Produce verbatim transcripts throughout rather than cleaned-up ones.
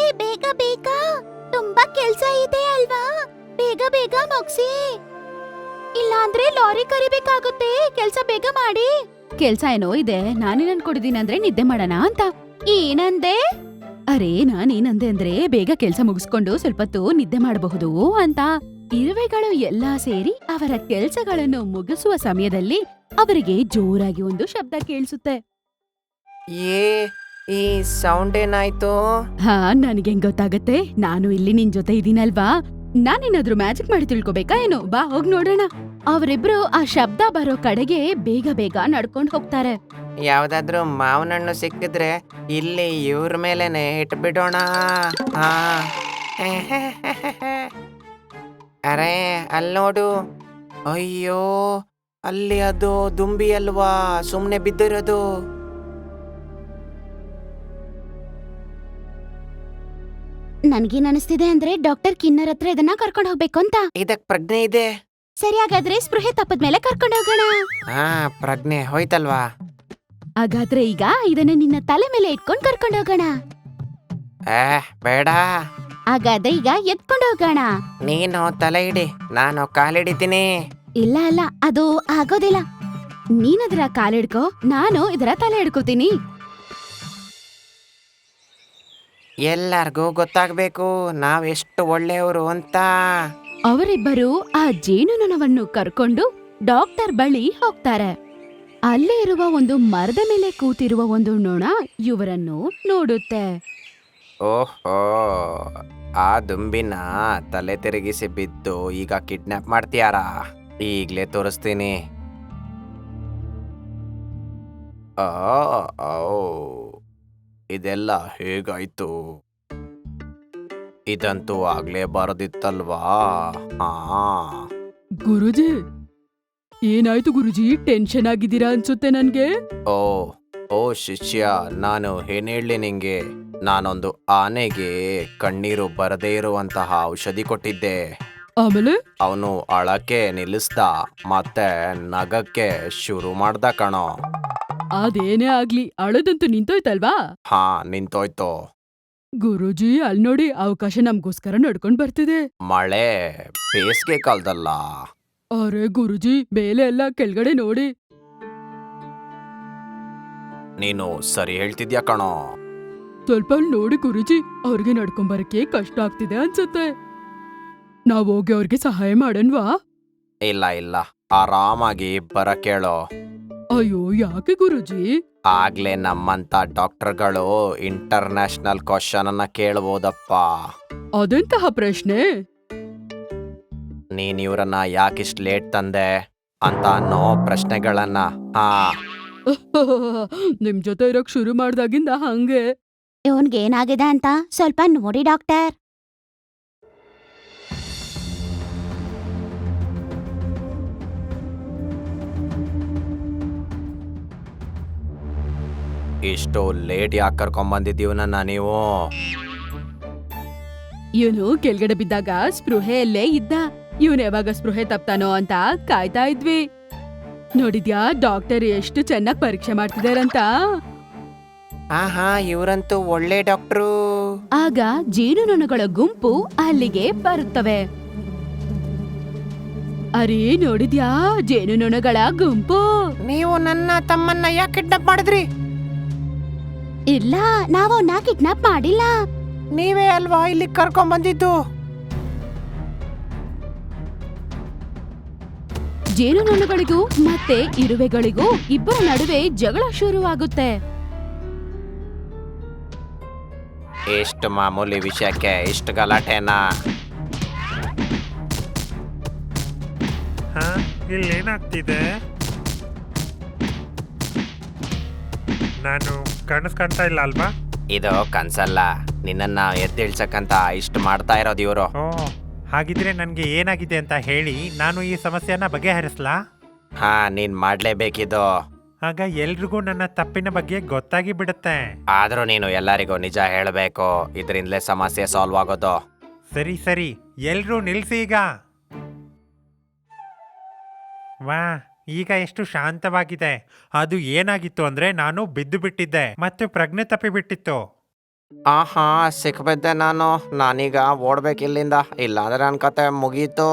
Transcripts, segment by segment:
ಬೇಗ ಬೇಗ, ತುಂಬಾ ಕೆಲ್ಸ ಇದೆ ಅಲ್ವಾ, ಬೇಗ ಬೇಗ ಮುಗ್ಸಿ, ಇಲ್ಲಾಂದ್ರೆ ಲಾರಿ ಕರಿಬೇಕಾಗುತ್ತೆ. ಕೆಲ್ಸ ಬೇಗ ಮಾಡಿ. ಕೆಲ್ಸ ಏನೋ ಇದೆ, ನಾನೇನ್ ಅನ್ಕೊಂಡಿದೀನಿ ಅಂದ್ರೆ ನಿದ್ದೆ ಮಾಡೋಣ ಅಂತ. ಏನಂದೆ? ಅರೆ ನಾನೇನಂದೆ ಅಂದ್ರೆ ಬೇಗ ಕೆಲ್ಸ ಮುಗಿಸ್ಕೊಂಡು ಸ್ವಲ್ಪ ಹೊತ್ತು ನಿದ್ದೆ ಮಾಡಬಹುದು ಅಂತ. ಇರುವೆಗಳು ಎಲ್ಲಾ ಸೇರಿ ಅವರ ಕೆಲ್ಸಗಳನ್ನು ಮುಗಿಸುವ ಸಮಯದಲ್ಲಿ ಅವರಿಗೆ ಜೋರಾಗಿ ಒಂದು ಶಬ್ದ ಕೇಳಿಸುತ್ತೆ. ಏ ಈ ಸೌಂಡ್ ಏನಾಯ್ತು? ಹಾ ನನಗೆ ಗೊತ್ತಾಗತ್ತೆ, ನಾನು ಇಲ್ಲಿ ನಿನ್ ಜೊತೆ ಇದೀನಲ್ವಾ, ನಾನೇನಾದ್ರೂ ಮ್ಯಾಜಿಕ್ ಮಾಡಿ ತಿಳ್ಕೊಬೇಕಾ ಏನೋ, ಬಾ ಹೋಗ್ ನೋಡೋಣ. ಅವರಿಬ್ರು ಆ ಶಬ್ದ ಬರೋ ಕಡೆಗೆ ಬೇಗ ಬೇಗ ನಡ್ಕೊಂಡ್ ಹೋಗ್ತಾರೆ. ಯಾವ್ದಾದ್ರು ಮಾವಿನ ಹಣ್ಣು ಸಿಕ್ಕಿದ್ರೆ ಇಲ್ಲಿ ಇವ್ರ ಮೇಲೆನೆ ಇಟ್ಬಿಡೋಣ. ಹಾ ಅರೆ ಅಲ್ಲಿ ನೋಡು, ಅಯ್ಯೋ ಅಲ್ಲಿ ಅದು ದುಂಬಿ ಅಲ್ವಾ ಸುಮ್ನೆ ಬಿದ್ದಿರೋದು. ನನ್ಗೇನ್ ಅನಿಸ್ತಿದೆ ಅಂದ್ರೆ ಡಾಕ್ಟರ್ ಕಿನ್ನರ್ ಹತ್ರ ಇದನ್ನ ಕರ್ಕೊಂಡ್ ಹೋಗ್ಬೇಕು ಅಂತ. ಇದಕ್ ಪ್ರಜ್ಞೆ ಇದೆ. ಸರಿ, ಹಾಗಾದ್ರೆ ಸ್ಪೃಹೆ ತಪ್ಪದ್ಮೇಲೆ ಕರ್ಕೊಂಡ್ ಹೋಗೋಣ. ಹಾ ಪ್ರಜ್ಞೆ ಹೋಯ್ತಲ್ವಾ? ಹಾಗಾದ್ರೆ ಈಗ ಇದನ್ನ ನಿನ್ನ ತಲೆ ಮೇಲೆ ಇಟ್ಕೊಂಡ್ ಕರ್ಕೊಂಡ್ ಹೋಗೋಣ. ಏ ಬೇಡ, ಹಾಗಾದ್ರೆ ಈಗ ಎತ್ಕೊಂಡ್ ಹೋಗೋಣ. ನೀನು ತಲೆ ಇಡಿ, ನಾನು ಕಾಲಿಡಿತೀನಿ. ಇಲ್ಲ ಅಲ್ಲ, ಅದು ಆಗೋದಿಲ್ಲ. ನೀನದರ ಕಾಲಿಡ್ಕೋ, ನಾನು ಇದರ ತಲೆ ಹಿಡ್ಕೋತೀನಿ. ಎಲ್ಲಾರ್ಗೂ ಗೊತ್ತಾಗ್ಬೇಕು ನಾವೆಷ್ಟು ಒಳ್ಳೆಯವರು ಅಂತ. ಅವರಿಬ್ಬರು ಆ ಜೇನುನೊಣವನ್ನು ಕರ್ಕೊಂಡು ಡಾಕ್ಟರ್ ಬಳಿ ಹೋಗ್ತಾರೆ. ಅಲ್ಲೇ ಇರುವ ಒಂದು ಮರದ ಮೇಲೆ ಕೂತಿರುವ ಒಂದು ನೊಣ ಇವರನ್ನು ನೋಡುತ್ತೆ. ಓಹೋ, ಆ ದುಂಬಿನ ತಲೆ ತಿರುಗಿಸಿ ಬಿದ್ದು ಈಗ ಕಿಡ್ನಾಪ್ ಮಾಡ್ತೀಯಾರಾ? ಈಗ್ಲೇ ತೋರಿಸ್ತೀನಿ. ಆ, ಔ, ಇದೆಲ್ಲ ಹೇಗಾಯ್ತು? ಇದಂತೂ ಆಗ್ಲೇ ಬರದಿತ್ತಲ್ವಾ? ಹಾ ಗುರುಜಿ, ಏನಾಯ್ತು ಗುರುಜಿ? ಟೆನ್ಷನ್ ಆಗಿದ್ದೀರಾ ಅನ್ಸುತ್ತೆ ನನ್ಗೆ. ಓ ಓ ಶಿಷ್ಯ, ನಾನು ಏನ್ ಹೇಳಿ ನಿಂಗೆ, ನಾನೊಂದು ಆನೆಗೆ ಕಣ್ಣೀರು ಬರದೇ ಇರುವಂತಹ ಔಷಧಿ ಕೊಟ್ಟಿದ್ದೆ. ಆಮೇಲೆ ಅವನು ಅಳಕ್ಕೆ ನಿಲ್ಲಿಸ್ದ, ಮತ್ತೆ ನಗಕ್ಕೆ ಶುರು ಮಾಡ್ದ ಕಣೋ. ಅದೇನೇ ಆಗ್ಲಿ, ಅಳದಂತೂ ನಿಂತೋಯ್ತಲ್ವಾ? ಹಾ ನಿಂತೋಯ್ತು. ಗುರುಜಿ, ಅಲ್ ನೋಡಿ, ಅವಕಾಶ ನಮ್ಗೋಸ್ಕರ ನಡ್ಕೊಂಡ್ ಬರ್ತಿದೆ. ಮಳೆ ಬೇಸಿಗೆ ಕಾಲದಲ್ಲ. ಅರೆ ಗುರುಜಿ, ಮೇಲೆ ಎಲ್ಲ ಕೆಳಗಡೆ ನೋಡಿ. ನೀನು ಸರಿ ಹೇಳ್ತಿದ್ಯಾ ಕಣೋ. ಸ್ವಲ್ಪ ಅಲ್ಲಿ ನೋಡಿ ಗುರುಜಿ, ಅವ್ರಿಗೆ ನಡ್ಕೊಂಬರಕ್ಕೆ ಕಷ್ಟ ಆಗ್ತಿದೆ ಅನ್ಸುತ್ತೆ. ನಾವ್ ಹೋಗಿ ಅವ್ರಿಗೆ ಸಹಾಯ ಮಾಡನ್ವಾ? ಇಲ್ಲ ಇಲ್ಲ, ಆರಾಮಾಗಿ ಬರ ಕೇಳೋ. ಅಯ್ಯೋ ಯಾಕೆ ಗುರುಜಿ? ಆಗ್ಲೇ ನಮ್ಮಂತ ಡಾಕ್ಟರ್ಗಳು ಇಂಟರ್ನ್ಯಾಷನಲ್ ಕ್ವಶನ್ ಅನ್ನ ಕೇಳ್ಬೋದಪ್ಪ. ಅದೆಂತಹ ಪ್ರಶ್ನೆ? ನೀನ್ ಇವ್ರನ್ನ ಯಾಕಿಷ್ಟು ಲೇಟ್ ತಂದೆ ಅಂತ ಅನ್ನೋ ಪ್ರಶ್ನೆಗಳನ್ನ. ಹಾ ನಿಮ್ ಜೊತೆ ಇರೋಕ್ ಶುರು ಮಾಡ್ದಾಗಿಂದ ಹಂಗೆ. ಇವನ್ಗೆ ಏನಾಗಿದೆ ಅಂತ ಸ್ವಲ್ಪ ನೋಡಿ ಡಾಕ್ಟರ್. ಇಷ್ಟು ಲೇಟ್ ಯಾಕೆ ಕರ್ಕೊಂಬಂದಿದ್ದೀವನನ್ನ ನೀವು? ಇವನು ಕೆಳಗಡೆ ಬಿದ್ದಾಗ ಸ್ಪೃಹೆಯಲ್ಲೇ ಇದ್ದ. ಇವನ್ ಯಾವಾಗ ಸ್ಪೃಹೆ ತಪ್ತಾನೋ ಅಂತ ಕಾಯ್ತಾ ಇದ್ವಿ. ನೋಡಿದ್ಯಾ ಡಾಕ್ಟರ್ ಎಷ್ಟು ಚೆನ್ನಾಗ್ ಪರೀಕ್ಷೆ ಮಾಡ್ತಿದಾರಂತ. ಹಾ ಹಾ ಇವ್ರಂತೂ ಒಳ್ಳೆ ಡಾಕ್ಟ್ರು. ಆಗ ಜೇನುನೊಣಗಳ ಗುಂಪು ಅಲ್ಲಿಗೆ ಬರುತ್ತವೆ. ಅರೇ ನೋಡಿದ್ಯಾ, ಜೇನುನೊಣಗಳ ಗುಂಪು. ನೀವು ನನ್ನ ತಮ್ಮನ್ನ ಯಾಕೆ ಕಿಡ್ನಾಪ್ ಮಾಡಿದ್ರಿ? ಇಲ್ಲ, ನಾವು ಅವನ್ನ ಕಿಡ್ನಾಪ್ ಮಾಡಿಲ್ಲ. ನೀವೇ ಅಲ್ವಾ ಇಲ್ಲಿ ಕರ್ಕೊಂಡ್ ಬಂದಿದ್ದು. ಜೇನುನೊಣಗಳಿಗೂ ಮತ್ತೆ ಇರುವೆಗಳಿಗೂ ಇಬ್ಬರ ನಡುವೆ ಜಗಳ ಶುರುವಾಗುತ್ತೆ. ಎಷ್ಟು ಮಾಮೂಲಿ ವಿಷಯಕ್ಕೆ ಇಷ್ಟು ಗಲಾಟೆನಾ? ಹಾ ಇಲ್ಲೇನಾಗ್ತಿದೆ? ನಾನು ಕಾಣಿಸ್ಕೊಂತ ಇಲ್ಲ ಅಲ್ವಾ? ಇದು ಕನ್ಸಲ್ಲ, ನಿನ್ನನ್ನ ಎದ್ದೇಳ್ಸಕ್ಕಂತ ಇಷ್ಟು ಮಾಡ್ತಾ ಇರೋದು ಇವರು. ಓ ಹಾಗಿದ್ರೆ ನನಗೆ ಏನಾಗಿದೆ ಅಂತ ಹೇಳಿ ನಾನು ಈ ಸಮಸ್ಯೆನ ಬಗೆಹರಿಸ್ಲಾ? ಹಾ ನೀನ್ ಮಾಡ್ಲೇಬೇಕಿದು. ಆಗ ಎಲ್ರಿಗೂ ನನ್ನ ತಪ್ಪಿನ ಬಗ್ಗೆ ಗೊತ್ತಾಗಿ ಬಿಡುತ್ತೆ. ಆದ್ರೂ ನೀನು ಎಲ್ಲರಿಗೂ ನಿಜ ಹೇಳಬೇಕು, ಇದರಿಂದಲೇ ಸಮಸ್ಯೆ ಸಾಲ್ವ್ ಆಗೋದು. ಸರಿ ಸರಿ, ಎಲ್ರೂ ನಿಲ್ಸಿ ಈಗ. ವಾ, ಈಗ ಎಷ್ಟು ಶಾಂತವಾಗಿದೆ. ಅದು ಏನಾಗಿತ್ತು ಅಂದ್ರೆ ನಾನು ಬಿದ್ದು ಬಿಟ್ಟಿದ್ದೆ ಮತ್ತೆ ಪ್ರಜ್ಞೆ ತಪ್ಪಿ ಬಿಟ್ಟಿತ್ತು. ಆಹಾ ಸಿಕ್ಬಿದ್ದೆ ನಾನು ನಾನೀಗ ಓಡ್ಬೇಕು ಇಲ್ಲಿಂದ ಇಲ್ಲಾಂದ್ರೆ ನನ್ನ ಕತೆ ಮುಗೀತು.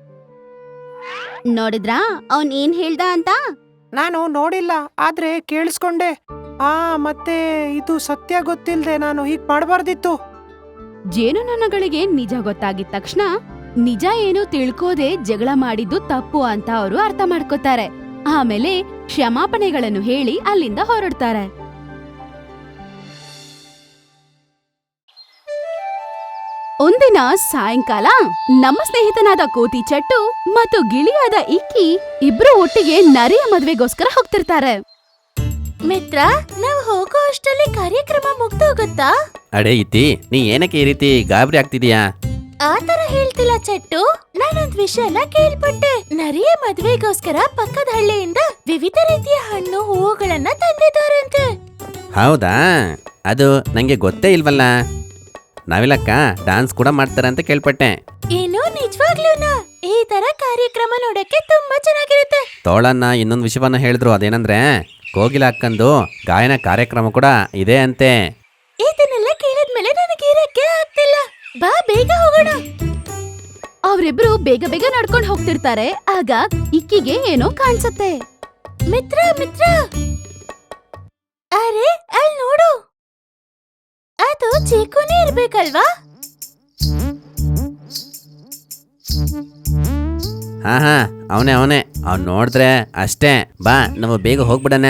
ನೋಡಿದ್ರಾ ಅವನ್ ಏನ್ ಹೇಳ್ದ ಅಂತ? ನಾನು ನೋಡಿಲ್ಲ ಆದ್ರೆ ಕೇಳಿಸ್ಕೊಂಡೆ. ಆ ಮತ್ತೆ ಇದು ಸತ್ಯ ಗೊತ್ತಿಲ್ದೆ ನಾನು ಹೀಗ್ ಮಾಡಬಾರ್ದಿತ್ತು. ಜೇನುನೊಣಗಳಿಗೆ ನಿಜ ಗೊತ್ತಾಗಿದ ತಕ್ಷಣ ನಿಜ ಏನು ತಿಳ್ಕೋದೆ ಜಗಳ ಮಾಡಿದ್ದು ತಪ್ಪು ಅಂತ ಅವರು ಅರ್ಥ ಮಾಡ್ಕೋತಾರೆ. ಆಮೇಲೆ ಕ್ಷಮಾಪಣೆಗಳನ್ನು ಹೇಳಿ ಅಲ್ಲಿಂದ ಹೊರಡ್ತಾರೆ. ಒಂದಿನ ಸಾಯಂಕಾಲ ನಮ್ಮ ಸ್ನೇಹಿತನಾದ ಕೋತಿ ಚಟ್ಟು ಮತ್ತು ಗಿಳಿಯಾದ ಇಕ್ಕಿ ಇಬ್ರು ಒಟ್ಟಿಗೆ ನರಿಯ ಮದ್ವೆಗೋಸ್ಕರ ಹೋಗ್ತಿರ್ತಾರೆ. ಮಿತ್ರ, ನಾವ್ ಹೋಗೋ ಅಷ್ಟರಲ್ಲಿ ಕಾರ್ಯಕ್ರಮ ಮುಗ್ದೋಗುತ್ತಾ? ಅಡೆ ಇತಿ, ನೀ ಏನಕ್ಕೆ ಈ ರೀತಿ ಗಾಬರಿ ಆಗ್ತಿದೀಯಾ? ಆತರ ಹೇಳ್ತಿಲ್ಲ ಚಟ್ಟು, ನಾನೊಂದ್ ವಿಷಯನ ಕೇಳ್ಪಟ್ಟೆ. ನರಿಯ ಮದ್ವೆಗೋಸ್ಕರ ಪಕ್ಕದ ಹಳ್ಳಿಯಿಂದ ವಿವಿಧ ರೀತಿಯ ಹಣ್ಣು ಹೂವುಗಳನ್ನ ತಂದಿದ್ದಾರಂತೆ. ಹೌದಾ? ಅದು ನಂಗೆ ಗೊತ್ತೇ ಇಲ್ವಲ್ಲ. ನಾವಿಲ್ಲಕ್ಕ ಡಾನ್ಸ್ ಕೂಡ ಮಾಡ್ತಾರೆ ಅಂತ ಕೇಳ್ಪಟ್ಟೆ. ಏನು ನಿಜವಾಗ್ಲೂನಾ? ಈ ತರ ಕಾರ್ಯಕ್ರಮ ನೋಡಕ್ಕೆ ತುಂಬಾ ಚೆನ್ನಾಗಿರುತ್ತೆ. ತೋಳನ್ನ ಇನ್ನೊಂದು ವಿಷಯವನ್ನ ಹೇಳಿದ್ರು, ಅದೇನಂದ್ರೆ ಕೋಗಿಲ ಅಕ್ಕಂದು ಗಾಯನ ಕಾರ್ಯಕ್ರಮ ಕೂಡ ಇದೆ ಅಂತೆ. ಇದನ್ನೆಲ್ಲ ಕೇಳಿದ್ಮೇಲೆ ನನಗೆ ಇರಕ್ಕೆ ಆಗ್ತಿಲ್ಲ. ಬಾ ಬೇಗ ಹೋಗೋಣ. ಅವರಿಬ್ರು ಬೇಗ ಬೇಗ ನಡ್ಕೊಂಡು ಹೋಗ್ತಿರ್ತಾರೆ. ಆಗ ಇಕ್ಕಿಗೆ ಏನೋ ಕಾಣಿಸುತ್ತೆ. ಮಿತ್ರ ಮಿತ್ರ, ಅರೆ ಅಲ್ಲಿ ನೋಡು, ಅದು ಚೀಕುನೇ ಇರ್ಬೇಕಲ್ವಾ? ಹಾ ಹಾ ಅವನೇ ಅವನೇ ಅವ್ನು ನೋಡಿದ್ರೆ ಅಷ್ಟೇ. ಬಾ ನಾವು ಬೇಗ ಹೋಗ್ಬಿಡಣ.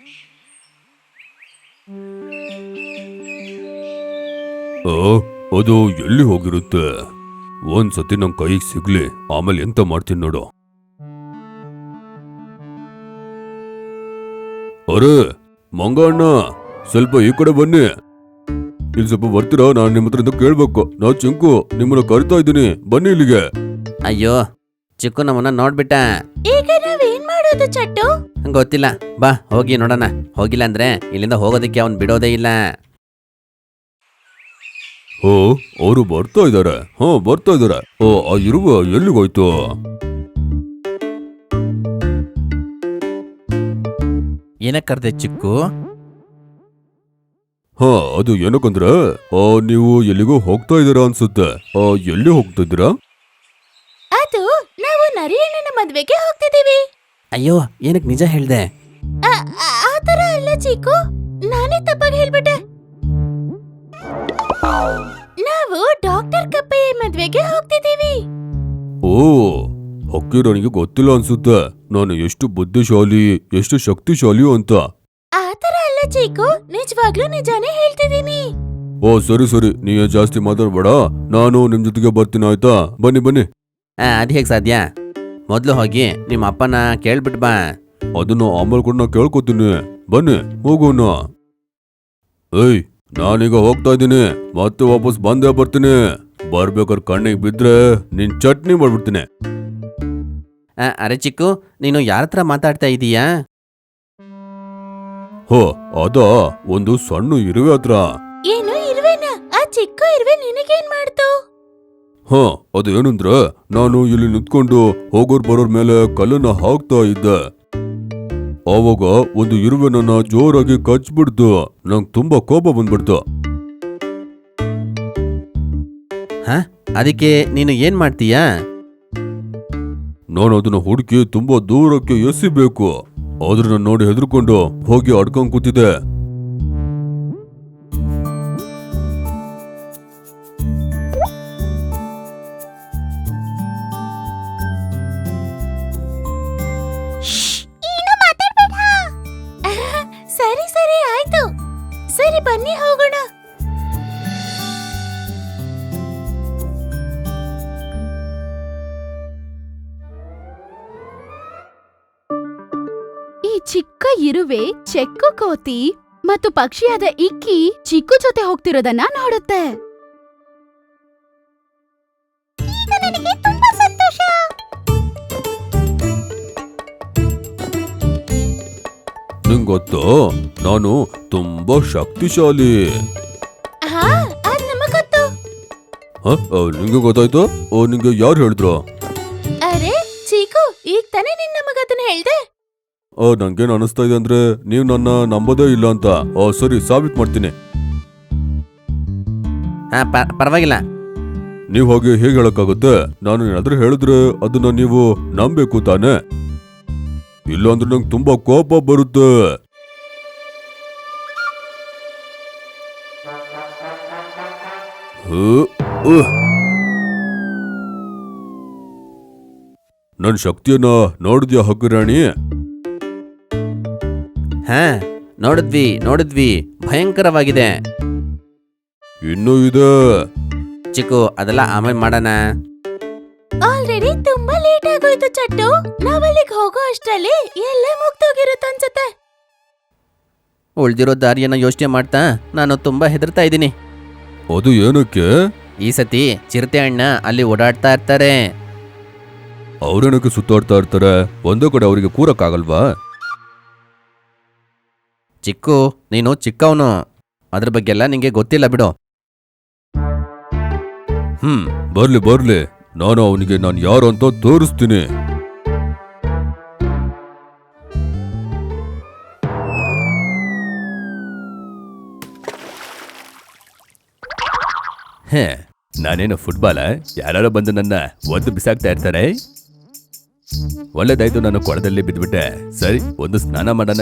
ಅದು ಎಲ್ಲಿ ಹೋಗಿರುತ್ತೆ? ಒಂದ್ಸತಿ ನನ್ ಕೈಗೆ ಸಿಗ್ಲಿ, ಆಮೇಲೆ ಎಂತ ಮಾಡ್ತೀನಿ ನೋಡು. ಅರೆ ಮಂಗಣ್ಣ, ಸ್ವಲ್ಪ ಈ ಕಡೆ ಬನ್ನಿ. ಇಲ್ಲಿ ಸ್ವಲ್ಪ ಬರ್ತೀರಾ? ನಾನು ನಿಮ್ಮ ಹತ್ರ ಕೇಳ್ಬೇಕು. ನಾ ಚಿಂಕು ನಿಮ್ಮನ್ನ ಕರಿತಾ ಇದ್ದೀನಿ, ಬನ್ನಿ ಇಲ್ಲಿಗೆ. ಅಯ್ಯೋ, ಚಿಕ್ಕು ನಮ್ಮನ್ನ ನೋಡ್ಬಿಟ್ಟ. ಈಗ ನಾವೇನ್ ಮಾಡೋದು ಚಟ್ಟು? ಗೊತ್ತಿಲ್ಲ, ಬಾ ಹೋಗಿ ನೋಡೋಣ. ಹೋಗಿಲ್ಲ ಅಂದ್ರೆ ಇಲ್ಲಿಂದ ಹೋಗೋದಕ್ಕೆ ಅವ್ನು ಬಿಡೋದೇ ಇಲ್ಲ. ಓ, ಅವರು ಬರ್ತಾ ಇದಾರೆ. ಹಾ ಬರ್ತಾ ಇದಾರೆ. ಓ, ಆ ಇರುವ ಎಲ್ಲಿಗೋಯ್ತು? ಏನಕ್ಕೆ ಕರ್ದೆ ಚಿಕ್ಕು? ಹಾ ಅದು ಏನಕ್ಕಂದ್ರೆ ಆ ನೀವು ಎಲ್ಲಿಗೋ ಹೋಗ್ತಾ ಇದ್ದೀರಾ ಅನ್ಸುತ್ತೆ. ಆ ಎಲ್ಲಿ ಹೋಗ್ತಾ ಇದ್ದೀರಾ? ಅದು ನಾವು ನರಿಯಣ್ಣನ ಮದ್ವೆಗೆ ಹೋಗ್ತಿದೀವಿ. ಅಯ್ಯೋ, ಏನಕ್ಕೆ ನಿಜ ಹೇಳ್ದೆ? ಆತರ ಅಲ್ಲ ಚೀಕು, ನಾನೇ ತಪ್ಪಾಗಿ ಹೇಳ್ಬಿಟ್ಟೆ. ನಾವು ಡಾಕ್ಟರ್ ಕಪ್ಪಯ್ಯ ಮದ್ವೆಗೆ ಹೋಗ್ತಿದೀವಿ. ಓ, ಹಕ್ಕಿ ನನಗೆ ಗೊತ್ತಿಲ್ಲ ಅನ್ಸುತ್ತೆ ನಾನು ಎಷ್ಟು ಬುದ್ಧಿಶಾಲಿ, ಎಷ್ಟು ಶಕ್ತಿಶಾಲಿ ಅಂತ. ಆತರ ಅಲ್ಲ ಚೀಕು, ನಿಜವಾಗ್ಲೂ ನಿಜಾನೇ ಹೇಳ್ತಿದೀನಿ. ಓ ಸರಿ ಸರಿ, ನೀ ಜಾಸ್ತಿ ಮಾತಾಡ್ಬೇಡ. ನಾನು ನಿಮ್ ಜೊತೆಗೆ ಬರ್ತೀನಿ, ಆಯ್ತಾ? ಬನ್ನಿ ಬನ್ನಿ. ಅದು ಹೇಗೆ ಸಾಧ್ಯ? ಮೊದಲು ಹೋಗಿ ನಿಮ್ಮ ಅಪ್ಪನ ಕೇಳ್ಬಿಟ್ಟು ಬಾ. ಅದನ್ನ ಆಮೇಲೆ ಕೂಡ ನಾ ಕೇಳ್ಕೊತೀನಿ. ಬನ್ನಿ ಹೋಗೋಣ. ಏಯ್, ನಾನೀಗ ಹೋಗ್ತಾ ಇದ್ದೀನಿ, ಮತ್ತೆ ವಾಪಸ್ ಬಂದೇ ಬರ್ತೀನಿ. ಬರ್ಬೇಕಾದ್ರೆ ಕಣ್ಣಿಗೆ ಬಿದ್ರೆ ನಿನ್ ಚಟ್ನಿ ಮಾಡ್ಬಿಡ್ತೀನಿ. ಆ, ಅರೆ ಚಿಕ್ಕು, ನೀನು ಯಾರ ಹತ್ರ ಮಾತಾಡ್ತಾ ಇದೀಯಾ? ಹೋ, ಅದ ಒಂದು ಸಣ್ಣ ಇರುವೆ ಹತ್ರ. ಏನು ಇರುವೆನಾ? ಆ ಚಿಕ್ಕ ಇರುವೆ ನಿನಗೇನ್ ಮಾಡ್ತು? ಹ ಅದು ಏನಂದ್ರೆ, ನಾನು ಇಲ್ಲಿ ನಿಂತ್ಕೊಂಡು ಹೋಗೋರ್ ಬರೋರ್ ಮೇಲೆ ಕಲ್ಲನ್ನ ಹಾಕ್ತಾ ಇದ್ದೆ. ಆವಾಗ ಒಂದು ಇರುವೆ ನನ್ನ ಜೋರಾಗಿ ಕಚ್ಬಿಡ್ತು. ನಂಗೆ ತುಂಬಾ ಕೋಪ ಬಂದ್ಬಿಡ್ತು. ಹ ಅದಕ್ಕೆ ನೀನು ಏನ್ ಮಾಡ್ತೀಯಾ? ನಾನು ಅದನ್ನ ಹುಡುಕಿ ತುಂಬಾ ದೂರಕ್ಕೆ ಎಸಿಬೇಕು. ಆದ್ರೆ ನಾನು ನೋಡಿ ಹೆದರ್ಕೊಂಡು ಹೋಗಿ ಅಡ್ಕೊಂಡ್ ಕೂತಿದ್ದೆ. ಸರಿ ಸರಿ ಆಯ್ತು, ಸರಿ ಬನ್ನಿ ಹೋಗೋಣ. ಈ ಚಿಕ್ಕ ಇರುವೆ ಚೆಕ್ಕು ಕೋತಿ ಮತ್ತು ಪಕ್ಷಿಯಾದ ಇಕ್ಕಿ ಚಿಕ್ಕು ಜೊತೆ ಹೋಗ್ತಿರೋದನ್ನ ನೋಡುತ್ತೆ. ಈಗ ನನಗೆ ತುಂಬಾ ಸಂತೋಷ. ನಿಂಗ್ ಗೊತ್ತೋ, ನಾನು ತುಂಬಾ ಶಕ್ತಿಶಾಲಿ. ಹಾ, ಅದ್ ನಮಗ್ ಗೊತ್ತು. ಹ ನಿಂಗೆ ಗೊತ್ತಾಯ್ತು? ಓ, ನಿಂಗೆ ಯಾರು ಹೇಳಿದ್ರು? ಅರೆ ಚೀಕು, ಈಗ ತಾನೇ ನಿನ್ ನಮಗ್ ಅದನ್ನ ಹೇಳ್ದೆ. ಆ ನಂಗೇನ್ ಅನಿಸ್ತಾ ಇದೆ ಅಂದ್ರೆ, ನೀವ್ ನನ್ನ ನಂಬೋದೇ ಇಲ್ಲ ಅಂತ. ಆ ಸರಿ, ಸಾಬೀತ್ ಮಾಡ್ತೀನಿ. ಹಾ ಪರವಾಗಿಲ್ಲ. ನೀವು ಹಾಗೆ ಹೇಗೆ ಹೇಳಕ್ಕಾಗುತ್ತೆ? ನಾನು ಏನಾದ್ರೂ ಹೇಳಿದ್ರೆ ಅದನ್ನ ನೀವು ನಂಬೇಕು ತಾನೆ? ಇಲ್ಲಾಂದ್ರೆ ನಂಗೆ ತುಂಬಾ ಕೋಪ ಬರುತ್ತೆ. ನನ್ ಶಕ್ತಿಯನ್ನ ನೋಡಿದ್ಯಾ ಹಕ್ಕುರಾಣಿ? ಹಾ ನೋಡಿದ್ವಿ ನೋಡಿದ್ವಿ ಭಯಂಕರವಾಗಿದೆ. ಇನ್ನೂ ಇದೆ. ಚಿಕ್ಕು ಅದೆಲ್ಲ ಆಮೇಲೆ ಮಾಡೋಣ. ಆಲ್ರೆಡಿ ತುಂಬಾ ಲೇಟ್ ಆಗೋಯ್ತು ಚಟ್ಟು. ನಾವಲ್ಲಿಗೆ ಹೋಗೋ ಅಷ್ಟ್ರಲ್ಲಿ ಎಲ್ಲ ಮುಗ್ದೋಗಿರುತ್ತೆ ಅನ್ಸುತ್ತೆ. ಉಳ್ದಿರೋ ದಾರಿಯನ್ನ ಯೋಚನೆ ಮಾಡ್ತಾ ನಾನು ತುಂಬಾ ಹೆದರ್ತಾ ಇದ್ದೀನಿ. ಅದು ಏನಕ್ಕೆ? ಈ ಸತಿ ಚಿರತೆ ಅಣ್ಣ ಅಲ್ಲಿ ಓಡಾಡ್ತಾ ಇರ್ತಾರೆ. ಅವ್ರೇನಕ್ಕೆ ಸುತ್ತಾಡ್ತಾ ಇರ್ತಾರೆ? ಒಂದೇ ಕಡೆ ಅವರಿಗೆ ಕೂರಕ್ಕಾಗಲ್ವಾ? ಚಿಕ್ಕು ನೀನು ಚಿಕ್ಕವನು, ಅದ್ರ ಬಗ್ಗೆ ಎಲ್ಲ ನಿಂಗೆ ಗೊತ್ತಿಲ್ಲ ಬಿಡು. ಹ್ಮ್ ಬರ್ಲಿ ಬರ್ಲಿ, ನಾನು ಅವನಿಗೆ ನಾನು ಯಾರು ಅಂತ ತೋರಿಸ್ತೀನಿ. ಹೇ, ನಾನೇನು ಫುಟ್ಬಾಲ? ಯಾರು ಬಂದು ನನ್ನ ಒದ್ದು ಬಿಸಾಕ್ತಾ ಇರ್ತಾರೆ. ಒಳ್ಳೇದಾಯ್ತು, ನಾನು ಕೊಳದಲ್ಲಿ ಬಿದ್ಬಿಟ್ಟೆ. ಸರಿ, ಒಂದು ಸ್ನಾನ ಮಾಡೋಣ.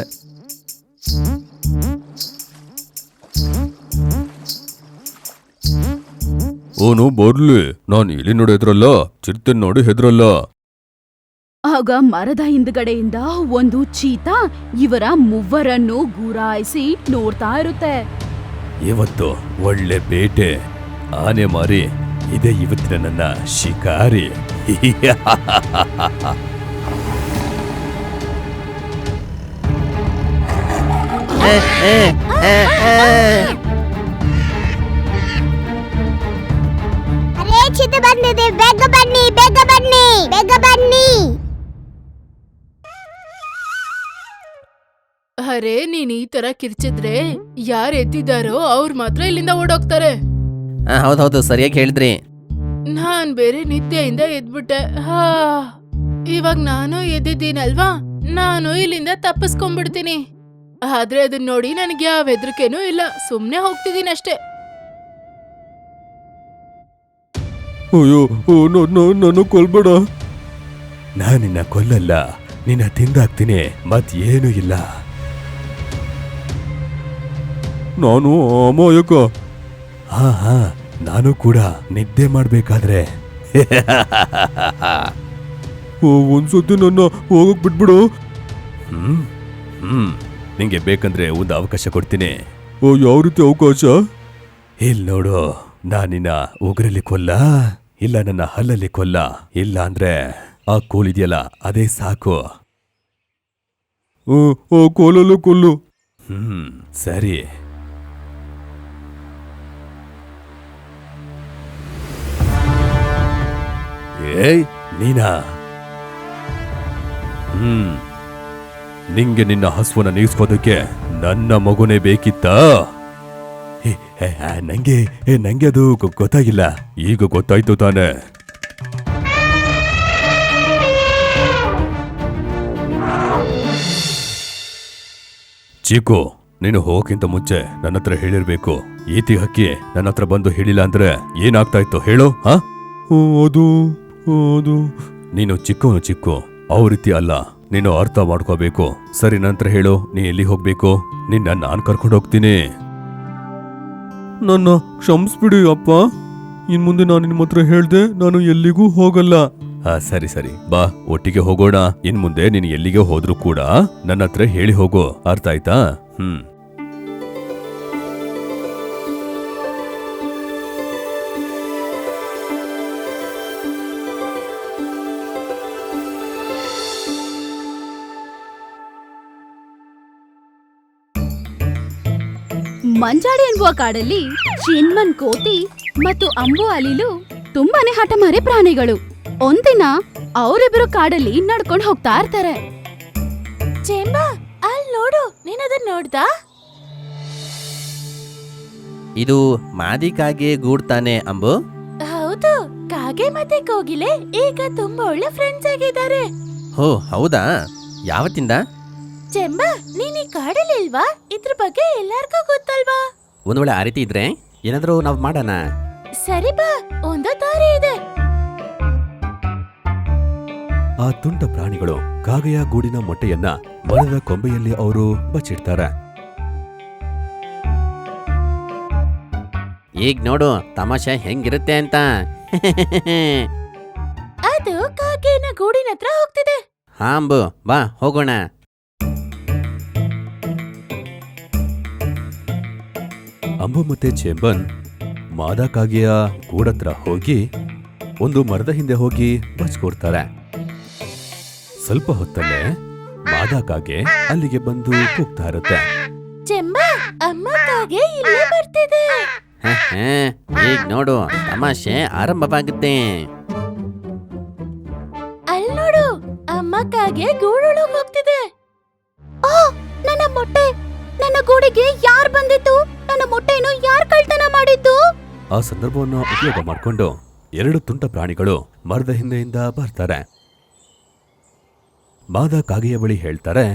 ಓನು ಬರ್ಲಿ, ನಾನು ಇಲ್ಲಿ ನೋಡಿ ಹೆದ್ರಲ್ಲ, ಚಿರತೆ ನೋಡಿ ಹೆದ್ರಲ್ಲ. ಆಗ ಮರದ ಹಿಂದ್ಗಡೆಯಿಂದ ಒಂದು ಚೀತಾ ಇವರ ಮೂವರನ್ನು ಗುರಾಯಿಸಿ ನೋಡ್ತಾ ಇರುತ್ತೆ. ಇವತ್ತು ಒಳ್ಳೆ ಬೇಟೆ, ಆನೆ ಮಾರಿ ಇದೇ ಇವತ್ತಿನ ನನ್ನ ಶಿಕಾರಿ. ಅರೇ ಚಿತೆ ಬಂದಿದೆ, ಬೇಗ ಬನ್ನಿ ಬೇಗ ಬನ್ನಿ ಬೇಗ ಬನ್ನಿ. ಅರೆ ನೀನ್ ಈ ತರ ಕಿರ್ಚಿದ್ರೆ ಯಾರ್ ಎದ್ದಿದ್ದಾರೋ ಅವ್ರು ಮಾತ್ರ ಇಲ್ಲಿಂದ ಓಡೋಗ್ತಾರೆ. ಹೌದೌದು ಸರಿಯಾಗಿ ಹೇಳಿದ್ರಿ. ನಾನ್ ಬೇರೆ ನಿದ್ದೆಯಿಂದ ಎದ್ಬಿಟ್ಟೆ. ಹಾ ಇವಾಗ ನಾನು ಎದ್ದಿದ್ದೀನಲ್ವಾ, ನಾನು ಇಲ್ಲಿಂದ ತಪ್ಪಿಸ್ಕೊಂಡ್ಬಿಡ್ತೀನಿ. ಆದ್ರೆ ಅದನ್ನ ನೋಡಿ ನನಗೆ ಯಾವ ಹೆದರಿಕೆನೂ ಇಲ್ಲ, ಸುಮ್ನೆ ಹೋಗ್ತಿದ್ದೀನಿ ಅಷ್ಟೇ. ಅಯ್ಯೋ, ನಾನು ಕೊಲ್ಬೇಡ. ನಾನಿನ್ನ ಕೊಲ್ಲಲ್ಲ, ನಿನ್ನ ತಿಂದಾಕ್ತೀನಿ, ಮತ್ ಏನು ಇಲ್ಲ. ನಾನು ಅಮಾಯಕ. ಹಾ ಹಾ ನಾನು ಕೂಡ ನಿದ್ದೆ ಮಾಡ್ಬೇಕಾದ್ರೆ. ಒಂದ್ಸತಿ ನನ್ನ ಹೋಗಕ್ ಬಿಟ್ಬಿಡು. ಹ್ಮ್ ಹ್ಮ್ ನಿಂಗೆ ಬೇಕಂದ್ರೆ ಒಂದು ಅವಕಾಶ ಕೊಡ್ತೀನಿ. ಓ, ಯಾವ ರೀತಿ ಅವಕಾಶ? ಇಲ್ ನೋಡು, ನಾನಿನ್ನ ಉಗ್ರಲ್ಲಿ ಕೊಲ್ಲ, ಇಲ್ಲ ನನ್ನ ಹಲ್ಲಲ್ಲಿ ಕೊಲ್ಲ, ಇಲ್ಲ ಅಂದ್ರೆ ಆ ಕೋಲಿದೆಯಲ್ಲ ಅದೇ ಸಾಕು. ಕೋಲಲ್ಲೂ ಕೊಲ್ಲು. ಹ್ಮ್ ಸರಿ. ಏಯ್ ನೀನಾ? ಹ್ಮ್ ನಿಂಗೆ ನಿನ್ನ ಹಸುವನ್ನ ನೀಗಿಸ್ಕೋದಕ್ಕೆ ನನ್ನ ಮಗುನೇ ಬೇಕಿತ್ತ? ನಂಗೆ ನಂಗೆ ಅದು ಗೊತ್ತಾಗಿಲ್ಲ, ಈಗ ಗೊತ್ತಾಯ್ತು ತಾನೆ. ಚೀಕು, ನೀನು ಹೋಗಕ್ಕಿಂತ ಮುಂಚೆ ನನ್ನ ಹತ್ರ ಹೇಳಿರ್ಬೇಕು. ಈತಿ ಹಕ್ಕಿ ನನ್ನ ಹತ್ರ ಬಂದು ಹೇಳಿಲ್ಲ ಅಂದ್ರೆ ಏನಾಗ್ತಾ ಇತ್ತು ಹೇಳು? ಹಾ ಅದು ಅದು ನೀನು ಚಿಕ್ಕವನು ಚಿಕ್ಕು, ಅವ್ ರೀತಿ ಅಲ್ಲ, ನೀನು ಅರ್ಥ ಮಾಡ್ಕೋಬೇಕು. ಸರಿ, ನಂತರ ಹೇಳು, ನೀ ಎಲ್ಲಿ ಹೋಗ್ಬೇಕು? ನಿನ್ನ ನಾನ್ ಕರ್ಕೊಂಡು ಹೋಗ್ತೀನಿ. ನನ್ನ ಕ್ಷಮಿಸ್ಬಿಡಿ ಅಪ್ಪ, ಇನ್ ಮುಂದೆ ನಾನು ನಿಮ್ಮ ಹತ್ರ ಹೇಳ್ದೆ ನಾನು ಎಲ್ಲಿಗೂ ಹೋಗಲ್ಲ. ಹಾ ಸರಿ ಸರಿ, ಬಾ ಒಟ್ಟಿಗೆ ಹೋಗೋಣ. ಇನ್ ಮುಂದೆ ನೀನು ಎಲ್ಲಿಗೆ ಹೋದ್ರು ಕೂಡ ನನ್ನ ಹತ್ರ ಹೇಳಿ ಹೋಗು, ಅರ್ಥ ಆಯ್ತಾ? ಹ್ಮ್ ಮಂಜಾಡಿ ಎನ್ನುವ ಕಾಡಲ್ಲಿ ಚಿನ್ಮನ್ ಕೋತಿ ಮತ್ತು ಅಂಬು ಅಲಿಲು ತುಂಬಾನೇ ಹಠಮಾರಿ ಪ್ರಾಣಿಗಳು. ಒಂದಿನ ಅವರಿಬ್ಬರು ಕಾಡಲ್ಲಿ ನಡ್ಕೊಂಡು ಹೋಗ್ತಾ ಇರ್ತಾರೆ. ಚೇಂಬಾ, ಅಲ್ಲಿ ನೋಡು, ನೀನ್ ಅದನ್ನ ನೋಡ್ದಾ? ಇದು ಮಾದಿ ಕಾಗೆ ಗೂಡ್ತಾನೆ ಅಂಬು? ಹೌದು, ಕಾಗೆ ಮತ್ತೆ ಕೋಗಿಲೆ ಈಗ ತುಂಬಾ ಒಳ್ಳೆ ಫ್ರೆಂಡ್ಸ್ ಆಗಿದ್ದಾರೆ. ಹೋ ಹೌದಾ? ಯಾವತ್ತಿಂದ? ಚೆಂಬಾ, ನೀನ್ ಈ ಕಾಡಲ್ಲಿ ಇಲ್ವಾ? ಇದ್ರ ಬಗ್ಗೆ ಎಲ್ಲಾರ್ಗೂ ಗೊತ್ತಲ್ವಾ? ಒಂದ್ ವೇಳೆ ಆ ರೀತಿ ಇದ್ರೆ ಏನಾದ್ರೂ ನಾವು ಮಾಡೋಣ. ಸರಿ ಬಾ, ಒಂದು ದಾರಿ ಇದೆ. ಆ ತುಂಟ ಪ್ರಾಣಿಗಳು ಕಾಗೆಯ ಗೂಡಿನ ಮೊಟ್ಟೆಯನ್ನ ಮರದ ಕೊಂಬೆಯಲ್ಲಿ ಅವರು ಬಚ್ಚಿಡ್ತಾರೆ. ಈಗ ನೋಡು ತಮಾಷೆ ಹೆಂಗಿರುತ್ತೆ ಅಂತ. ಅದು ಕಾಗೆನ ಗೂಡಿನ ಹತ್ರ ಹೋಗ್ತಿದೆ. ಹಾ ಅಂಬು, ಬಾ ಹೋಗೋಣ. ಅಂಬು ಮತ್ತೆ ಚೇಂಬನ್ ಮಾದಾ ಕಾಗೆಯ ಗೂಡತ್ರ ಹೋಗಿ ಒಂದು ಮರದ ಹಿಂದೆ ಹೋಗಿ ಬಚ್ಕೊಡ್ತಾರೆ. ಸ್ವಲ್ಪ ಹೊತ್ತಲ್ಲೇ ಮಾದಾ ಕಾಗೆ ಅಲ್ಲಿಗೆ ಬಂದು ಕೂಗ್ತಾ ಇರುತ್ತೆ. ಚೆಂಬ, ಅಮ್ಮ ಕಾಗೆ ಇಲ್ಲೇ ಬರ್ತಿದೆ. ಈಗ ನೋಡು ತಮಾಷೆ ಆರಂಭವಾಗುತ್ತೆ. ಅಲ್ ನೋಡು, ಅಮ್ಮ ಕಾಗೆ ಗೂಡೊಳಗ್ ಹೋಗ್ತಿದೆ. ಓ, ನನ್ನ ಮೊಟ್ಟೆ! ನನ್ನ ಗೂಡಿಗೆ ಯಾರ್ ಬಂದಿತ್ತು? ನನ್ನ ಮೊಟ್ಟೆಯನ್ನು ಯಾರ್ ಕಳ್ತನ ಮಾಡಿದ್ದು? ಆ ಸಂದರ್ಭವನ್ನು ಉಪಯೋಗ ಮಾಡಿಕೊಂಡು ಎರಡು ತುಂಟ ಪ್ರಾಣಿಗಳು ಮರದ ಹಿಂದೆಯಿಂದ ಬರ್ತಾರೆ. ಮಾದಾ ಕಾಗೆಯ ಬಳಿ ಹೇಳ್ತಾರೆ,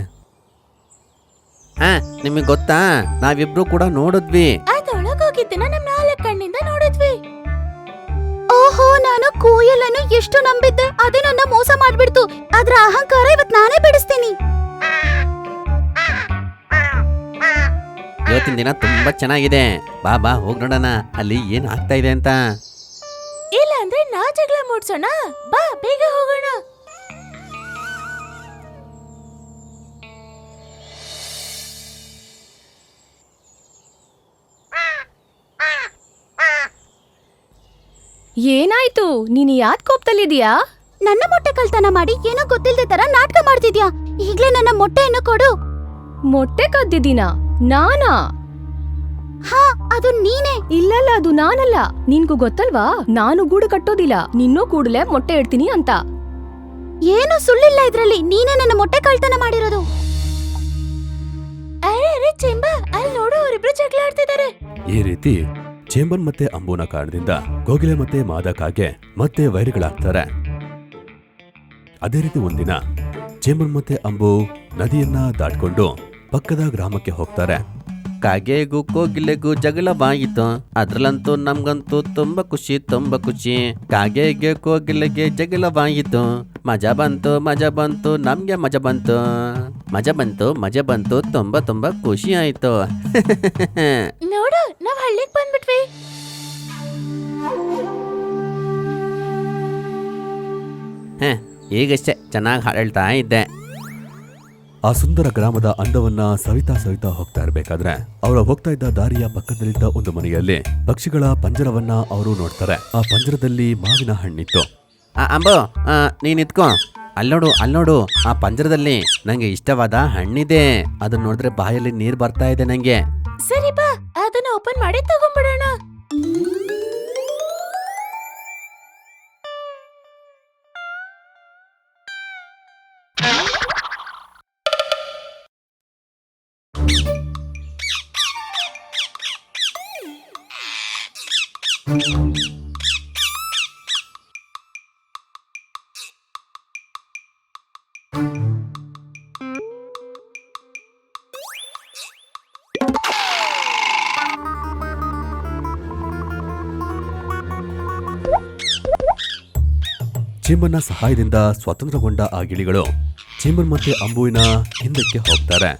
ಹಾ ನಿಮಗ್ ಗೊತ್ತಾ, ನಾವಿಬ್ರು ಕೂಡ ನೋಡಿದ್ವಿ. ಅದೊಳಗೋಗಿದ್ದನ್ನ ನಮ್ ನಾಲ್ಕು ಕಣ್ಣಿಂದ ನೋಡಿದ್ವಿ. ಓಹೋ, ನಾನು ಕೋಯಲನ್ನು ಎಷ್ಟು ನಂಬಿದ್ದೆ, ಅದೇ ನನ್ನ ಮೋಸ ಮಾಡ್ಬಿಡ್ತು. ಅದ್ರ ಅಹಂಕಾರ ಇವತ್ ನಾನೇ ಬಿಡಿಸ್ತೀನಿ. ಇವತ್ತಿನ ದಿನ ತುಂಬಾ ಚೆನ್ನಾಗಿದೆ. ಬಾ ಬಾ ಹೋಗ್ ನೋಡೋಣ ಅಲ್ಲಿ ಏನ್ ಆಗ್ತಾ ಇದೆ ಅಂತ. ಇಲ್ಲ ಅಂದ್ರೆ ನಾ ಜಗಳ ಮೂಡ್ಸೋಣ. ಬಾ ಬೇಗ ಹೋಗೋಣ. ಏನಾಯ್ತು? ನೀನು ಯಾಕ್ ಕೋಪದಲ್ಲಿದ್ಯಾ? ನನ್ನ ಮೊಟ್ಟೆ ಕಳ್ತನ ಮಾಡಿ ಏನೋ ಗೊತ್ತಿಲ್ದೆ ತರ ನಾಟಕ ಮಾಡ್ತಿದ್ಯಾ. ಈಗ್ಲೇ ನನ್ನ ಮೊಟ್ಟೆಯನ್ನು ಕೊಡು. ಮೊಟ್ಟೆ ಕದ್ದಿದ್ದೀನಾ? ನಾನಾ? ಹಾ, ಅದು ನೀನೇ. ಇಲ್ಲಲ್ಲ, ಅದು ನಾನಲ್ಲ. ನಿನ್ಗೂ ಗೊತ್ತಲ್ವಾ, ನಾನು ಗೂಡು ಕಟ್ಟೋದಿಲ್ಲ. ನಿನ್ನೋ ಕೂಡಲೇ ಮೊಟ್ಟೆ ಇಡ್ತೀನಿ ಅಂತ. ಏನು ಸುಳ್ಳಿಲ್ಲ ಇದ್ರಲ್ಲಿ. ನೀನೇ ನನ್ನ ಮೊಟ್ಟೆ ಕಳ್ತನ ಮಾಡಿರೋದು. ಅರೆ ಅರೆ ಚೆಂಬ, ಅಲ್ಲಿ ನೋಡು, ಅವರಿಬ್ರು ಜಗಳ ಆಡ್ತಿದ್ದಾರೆ. ಈ ರೀತಿ ಚೇಂಬನ್ ಮತ್ತೆ ಅಂಬುನ ಕಾರಣದಿಂದ ಕೋಗಿಲೆ ಮತ್ತೆ ಮಾದಾ ಕಾಗೆ ಮತ್ತೆ ವೈರಿಗಳಾಗ್ತಾರೆ. ಅದೇ ರೀತಿ ಒಂದಿನ ಚೇಂಬನ್ ಮತ್ತೆ ಅಂಬು ನದಿಯನ್ನ ದಾಟ್ಕೊಂಡು ಪಕ್ಕದ ಗ್ರಾಮಕ್ಕೆ ಹೋಗ್ತಾರೆ. ಕಾಗೆಗೂ ಕೋಗಿಲೆಗೂ ಜಗಳವಾಯಿತು. ಅದ್ರಲ್ಲಂತೂ ನಮ್ಗಂತೂ ತುಂಬಾ ಖುಷಿ ತುಂಬಾ ಖುಷಿ. ಕಾಗೆಗೆ ಕೋಗಿಲೆಗೆ ಜಗಳವಾಯಿತು. ಮಜಾ ಬಂತು ಮಜಾ ಬಂತು ನಮ್ಗೆ ಮಜಾ ಬಂತು ಮಜಾ ಬಂತು ಮಜಾ ಬಂತು ತುಂಬಾ ತುಂಬಾ ಖುಷಿ ಆಯ್ತು. ನೋಡು, ನಾವ್ ಹಳ್ಳಿಗ್ ಬಂದ್ಬಿಟ್ವಿ. ಹ ಈಗಷ್ಟೇ ಚೆನ್ನಾಗಿ ಹಾಡು ಹೇಳ್ತಾ ಇದ್ದೆ. ಆ ಸುಂದರ ಗ್ರಾಮದ ಅಂದವನ್ನ ಸವಿತಾ ಸವಿತಾ ಹೋಗ್ತಾ ಇರ್ಬೇಕಾದ್ರೆ ಅವರ ಹೋಗ್ತಾ ಇದ್ದ ದಾರಿಯ ಪಕ್ಕದಲ್ಲಿದ್ದ ಒಂದು ಮನೆಯಲ್ಲಿ ಪಕ್ಷಿಗಳ ಪಂಜರವನ್ನ ಅವರು ನೋಡ್ತಾರೆ. ಆ ಪಂಜರದಲ್ಲಿ ಮಾವಿನ ಹಣ್ಣಿತ್ತು. ಆ, ಅಂಬು ಆ, ನೀನ್ ಇದ್ಕೋ. ಅಲ್ಲೋಡು ಅಲ್ಲೋಡು, ಆ ಪಂಜರದಲ್ಲಿ ನಂಗೆ ಇಷ್ಟವಾದ ಹಣ್ಣಿದೆ. ಅದನ್ನ ನೋಡಿದ್ರೆ ಬಾಯಲ್ಲಿ ನೀರ್ ಬರ್ತಾ ಇದೆ ನಂಗೆ. ಸರಿ ಬಾ, ಅದನ್ನ ಓಪನ್ ಮಾಡಿ ತಗೊಂಡ್ಬಿಡೋಣ. ಚೇಂಬನ್ನ ಸಹಾಯದಿಂದ ಸ್ವತಂತ್ರಗೊಂಡ ಆ ಗಿಳಿಗಳು ಚೇಂಬನ್ ಮತ್ತೆ ಅಂಬುವಿನ ಹಿಂದಕ್ಕೆ ಹೋಗ್ತಾರೆ.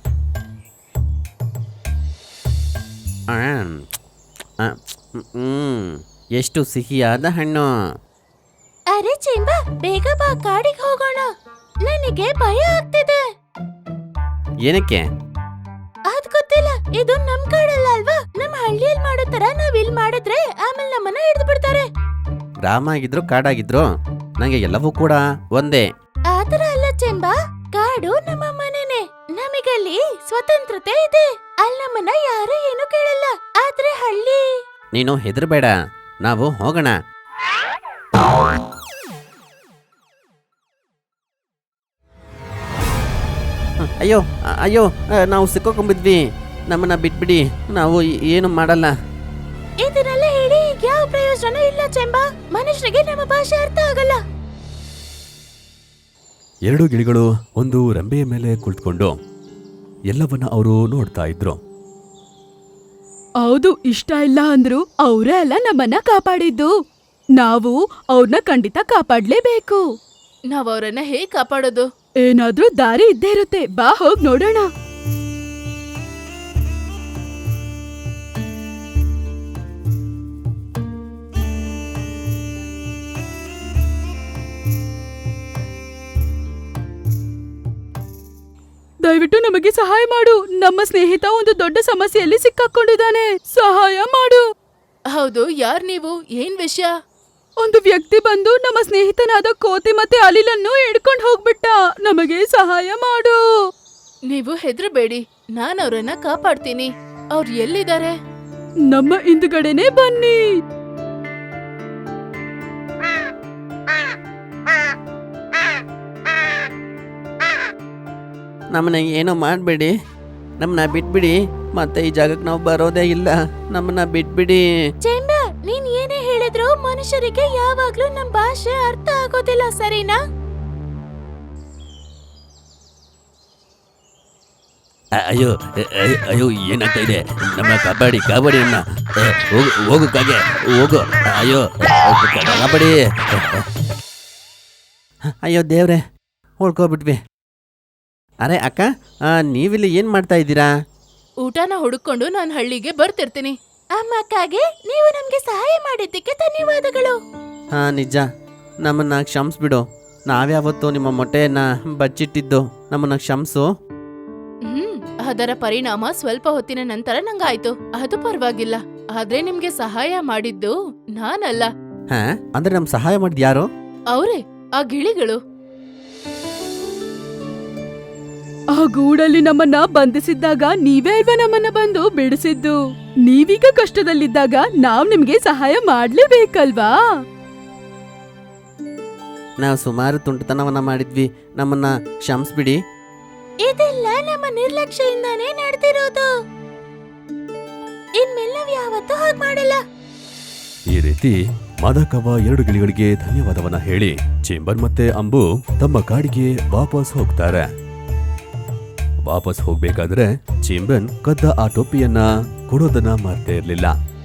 ಆಮ್, ಆ, ಹ್ಮ್, ಎಷ್ಟು ಸಿಹಿಯಾದ ಹಣ್ಣು. ಅರೆ ಚೆಂಬ, ಬೇಗ ಬಾ, ಕಾಡಿಗೆ ಹೋಗೋಣ. ನನಗೆ ಭಯ ಆಗ್ತಿದೆ. ಏನಕ್ಕೆ? ಅದ್ ಗೊತ್ತಿಲ್ಲ, ಇದು ನಮ್ ಕಾಡಲ್ಲ ಅಲ್ವಾ. ನಮ್ ಹಳ್ಳಿಯಲ್ಲಿ ಮಾಡೋ ತರ ನಾವ್ ಇಲ್ಲಿ ಮಾಡಿದ್ರೆ ಆಮೇಲೆ ನಮ್ಮನ್ನ ಹಿಡಿದು ಬಿಡ್ತಾರೆ. ಗ್ರಾಮ ಆಗಿದ್ರು ಕಾಡಾಗಿದ್ರು ನಂಗೆ ಎಲ್ಲವೂ ಕೂಡ ಒಂದೇ. ಆತರ ಅಲ್ಲ ಚೆಂಬ, ಕಾಡು ನಮ್ಮ ಮನೆನೆ. ನಮಗಲ್ಲಿ ಸ್ವತಂತ್ರತೆ ಇದೆ. ಅಲ್ಲಿ ನಮ್ಮನ್ನ ಯಾರು ಏನು ಕೇಳಲ್ಲ. ಆದ್ರೆ ಹಳ್ಳಿ, ನೀನು ಹೆದರ್ಬೇಡ, ನಾವು ಹೋಗೋಣ. ಅಯ್ಯೋ ಅಯ್ಯೋ, ನಾವು ಸಿಕ್ಕೋಕೊಂಬಿದ್ವಿ. ನಮ್ಮನ್ನ ಬಿಟ್ಬಿಡಿ, ನಾವು ಏನು ಮಾಡಲ್ಲ. ಇದನ್ನೆಲ್ಲ ಹೇಳಿ ಯಾವ ಪ್ರಯೋಜನ ಇಲ್ಲ ಚೆಂಬ. ಮನುಷ್ಯರಿಗೆ ನಮ್ಮ ಭಾಷೆ ಅರ್ಥ ಆಗಲ್ಲ. ಎರಡು ಗಿಳಿಗಳು ಒಂದು ರೆಂಬೆಯ ಮೇಲೆ ಕುಳಿತುಕೊಂಡು ಎಲ್ಲವನ್ನ ಅವರು ನೋಡ್ತಾ ಇದ್ರು. ಹೌದು, ಇಷ್ಟ ಇಲ್ಲ ಅಂದ್ರು ಅವರೇ ಅಲ್ಲ ನಮ್ಮನ್ನ ಕಾಪಾಡಿದ್ದು. ನಾವು ಅವ್ರನ್ನ ಖಂಡಿತ ಕಾಪಾಡ್ಲೇಬೇಕು. ನಾವ್ ಅವ್ರನ್ನ ಹೇಗ್ ಕಾಪಾಡೋದು? ಏನಾದ್ರೂ ದಾರಿ ಇದ್ದೇ ಇರುತ್ತೆ, ಬಾ ಹೋಗ್ ನೋಡೋಣ. ದಯವಿಟ್ಟು ನಮಗೆ ಸಹಾಯ ಮಾಡು. ನಮ್ಮ ಸ್ನೇಹಿತ ಒಂದು ದೊಡ್ಡ ಸಮಸ್ಯೆಯಲ್ಲಿ ಸಿಕ್ಕಾಕೊಂಡಿದ್ದಾನೆ. ಸಹಾಯ ಮಾಡು. ಹೌದು, ಯಾರ್ ನೀವು? ಏನ್ ವಿಷಯ? ಒಂದು ವ್ಯಕ್ತಿ ಬಂದು ನಮ್ಮ ಸ್ನೇಹಿತನಾದ ಕೋತಿ ಮತ್ತೆ ಅಲಿಲನ್ನು ಹಿಡ್ಕೊಂಡು ಹೋಗ್ಬಿಟ್ಟ. ನಮಗೆ ಸಹಾಯ ಮಾಡು. ನೀವು ಹೆದ್ರಬೇಡಿ, ನಾನ್ ಅವ್ರನ್ನ ಕಾಪಾಡ್ತೀನಿ. ಅವ್ರು ಎಲ್ಲಿದ್ದಾರೆ? ನಮ್ಮ ಹಿಂದ್ಗಡೆನೆ ಬನ್ನಿ. ನಮ್ಮನ್ನ ಏನೋ ಮಾಡಬೇಡಿ, ನಮ್ಮನ್ನ ಬಿಟ್ಬಿಡಿ. ಮತ್ತೆ ಈ ಜಾಗಕ್ಕೆ ನಾವು ಬರೋದೇ ಇಲ್ಲ. ನಮ್ಮನ್ನ ಬಿಟ್ಬಿಡಿ. ಚೇಂಬರ್, ನೀನ್ ಏನೇ ಹೇಳಿದ್ರು ಮನುಷ್ಯರಿಗೆ ಯಾವಾಗ್ಲೂ ನಮ್ ಭಾಷೆ ಅರ್ಥ ಆಗೋದಿಲ್ಲ, ಸರಿನಾ? ಅ- ಅಯ್ಯೋ ಅ- ಅಯ್ಯೋ, ಅಯ್ಯೋ ಏನಾಗ್ತಾ ಇದೆ? ನಮ್ಮ ಕಬಡ್ಡಿ ಕಬಡ್ಡಿ ಅನ್ನ ಹೋಗು ಹೋಗು ಕಾಗೆ ಹೋಗು. ಅಯ್ಯೋ ಕಬಡ್ಡಿ. ಅಯ್ಯೋ ದೇವ್ರೆ, ಹೊಡ್ಕೊಬಿಟ್ವಿ. ಅರೆ ಅಕ್ಕ, ಆ, ನೀವಿಲ್ಲಿ ಏನ್ ಮಾಡ್ತಾ ಇದ್ದೀರಾ? ಊಟನ ಹುಡುಕೊಂಡು ನಾನ್ ಹಳ್ಳಿಗೆ ಬರ್ತಿರ್ತೀನಿ. ಅಮ್ಮಕ್ಕಾಗೆ ನೀವು ನಮ್ಗೆ ಸಹಾಯ ಮಾಡಿದ್ದಕ್ಕೆ ಧನ್ಯವಾದಗಳು. ಹಾ ನಿಜ, ನಮ್ಮನ್ನ ಕ್ಷಮಿಸ್ಬಿಡು. ನಾವ್ಯಾವತ್ತು ನಿಮ್ಮ ಮೊಟ್ಟೆಯನ್ನ ಬಚ್ಚಿಟ್ಟಿದ್ದು. ನಮ್ಮನ್ನ ಕ್ಷಮಿಸು. ಹ್ಮ್ ಅದರ ಪರಿಣಾಮ ಸ್ವಲ್ಪ ಹೊತ್ತಿನ ನಂತರ ನಂಗಾಯ್ತು. ಅದು ಪರವಾಗಿಲ್ಲ. ಆದ್ರೆ ನಿಮ್ಗೆ ಸಹಾಯ ಮಾಡಿದ್ದು ನಾನಲ್ಲ, ಹಾ ಅಂದ್ರೆ ನಮ್ ಸಹಾಯ ಮಾಡಿದ್ ಯಾರು? ಅವ್ರೇ, ಆ ಗಿಳಿಗಳು. ಆ ಗೂಡಲ್ಲಿ ನಮ್ಮನ್ನ ಬಂಧಿಸಿದ್ದಾಗ ನೀವೇ ಅಲ್ವಾ ನಮ್ಮನ್ನ ಬಂದು ಬಿಡಿಸಿದ್ದು. ನೀವೀಗ ಕಷ್ಟದಲ್ಲಿದ್ದಾಗ ನಾವ್ ನಿಮ್ಗೆ ಸಹಾಯ ಮಾಡ್ಲೇಬೇಕಲ್ವಾ? ನಾವು ಸುಮಾರು ತುಂಟತನವನ್ನ ಮಾಡಿದ್ವಿ. ನಮ್ಮನ್ನ ಕ್ಷಮಿಸ್ಬಿಡಿ. ಇದೆಲ್ಲ ನಮ್ಮ ನಿರ್ಲಕ್ಷ್ಯದಿಂದಾನೇ ನಡೆದಿರೋದು. ಇನ್ಮೇಲೆ ನಾವ್ ಯಾವತ್ತೂ ಹಾಗೆ ಮಾಡಲ್ಲ. ಈ ರೀತಿ ಮಾದಕವ ಎರಡು ಗಿಳಿಗಳಿಗೆ ಧನ್ಯವಾದವನ್ನ ಹೇಳಿ ಚೇಂಬರ್ ಮತ್ತೆ ಅಂಬು ತಮ್ಮ ಕಾಡಿಗೆ ವಾಪಸ್ ಹೋಗ್ತಾರೆ. ವಾಪಸ್ ಹೋಗ್ಬೇಕಾದ್ರೆ ಚೇಂಬನ್ ಕದ್ದ ಆ ಟೋಪಿಯನ್ನ ಕೊಡೋದನ್ನ ಮರ್ತೇ ಇರ್ಲಿಲ್ಲ.